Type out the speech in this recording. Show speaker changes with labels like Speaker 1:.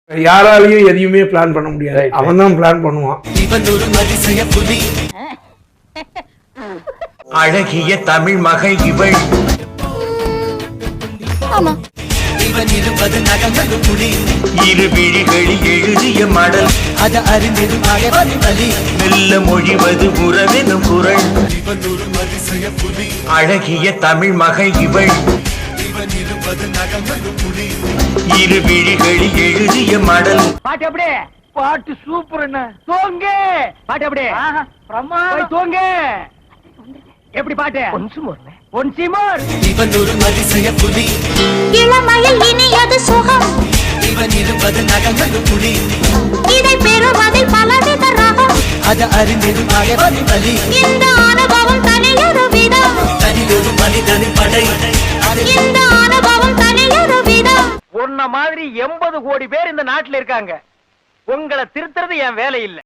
Speaker 1: யாராலையும் எதையுமே பிளான் பண்ண முடியாது. அவன் தான் பிளான் பண்ணுவான்.
Speaker 2: அழகிய தமிழ் மகள் இவள். இரு விழிகளில் எழுதிய மடல் அது அறிந்திடும் மெல்ல மொழிவது உறவெனும் குரல். அழகிய தமிழ் மகள் இவள். இரு விழிகளில் எழுதிய மடல்.
Speaker 3: பாட்டு அப்படியே பாட்டு சூப்பர். என்ன தோங்க பாட்டு அப்படியே தோங்க எப்படி பாட்டு இவன் ஒரு அதிசய புலி.
Speaker 4: இளமையில் இனியது சுகம்.
Speaker 2: இவன் இருப்பது நகங்கள் புலி.
Speaker 4: இதை பெறுவதில் பலவித ரகம்.
Speaker 2: அது அறிந்திடும் வலி.
Speaker 4: இந்த அனுபவம் தனியொரு விதம்.
Speaker 2: தனியொரு மனிதனின் படை.
Speaker 4: இந்த அனுபவம் தனியொரு விதம்.
Speaker 3: உன்ன மாதிரி 80 கோடி பேர் இந்த நாட்டுல இருக்காங்க. உங்களை திருத்துறது என் வேலை இல்ல.